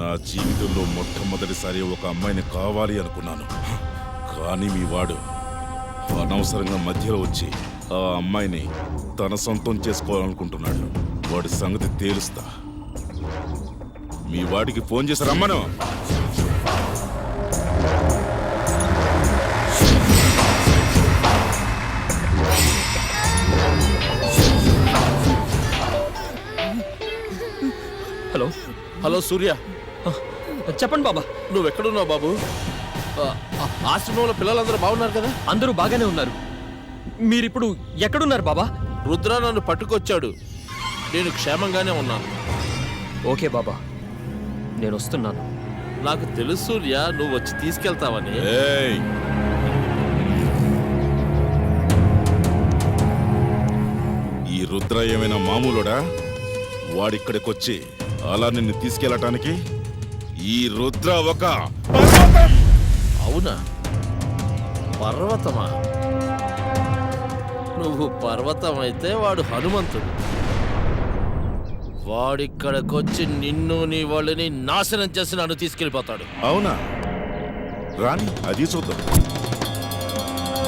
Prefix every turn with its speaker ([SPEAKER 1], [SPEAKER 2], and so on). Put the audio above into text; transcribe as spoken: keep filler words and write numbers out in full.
[SPEAKER 1] నా జీవితంలో మొట్టమొదటిసారి ఒక అమ్మాయిని కావాలి అనుకున్నాను. కానీ మీ వాడు అనవసరంగా మధ్యలో వచ్చి ఆ అమ్మాయిని తన సొంతం చేసుకోవాలనుకుంటున్నాడు. వాడి సంగతి తేలుస్తా. మీ వాడికి ఫోన్ చేసి రమ్మను.
[SPEAKER 2] హలో
[SPEAKER 3] హలో సూర్య,
[SPEAKER 2] చెప్పండి బాబా.
[SPEAKER 3] నువ్వెక్కడున్నావు బాబు? ఆ, ఆ, ఆశ్రమంలో పిల్లలందరూ బాగున్నారు కదా?
[SPEAKER 2] అందరూ బాగానే ఉన్నారు. మీరిప్పుడు ఎక్కడున్నారు బాబా?
[SPEAKER 3] రుద్ర నన్ను పట్టుకొచ్చాడు. నేను క్షేమంగానే ఉన్నాను.
[SPEAKER 2] ఓకే బాబా, నేను వస్తున్నాను.
[SPEAKER 3] నాకు తెలుసు సూర్య, నువ్వు వచ్చి తీసుకెళ్తావని.
[SPEAKER 1] ఏయ్! ఈ రుద్ర ఏమైనా మామూలుడా? వాడిక్కడికొచ్చి అలా నిన్ను తీసుకెళ్ళటానికి? ఈ రుద్ర ఒక పర్వతం!
[SPEAKER 3] అవునా? పర్వతమా? నువ్వు పర్వతం అయితే వాడు హనుమంతుడు. వాడిక్కడికొచ్చి నిన్ను నీ వాళ్ళని నాశనం చేసి నన్ను తీసుకెళ్ళిపోతాడు.
[SPEAKER 1] అవునా? రాని అది చూద్దాం.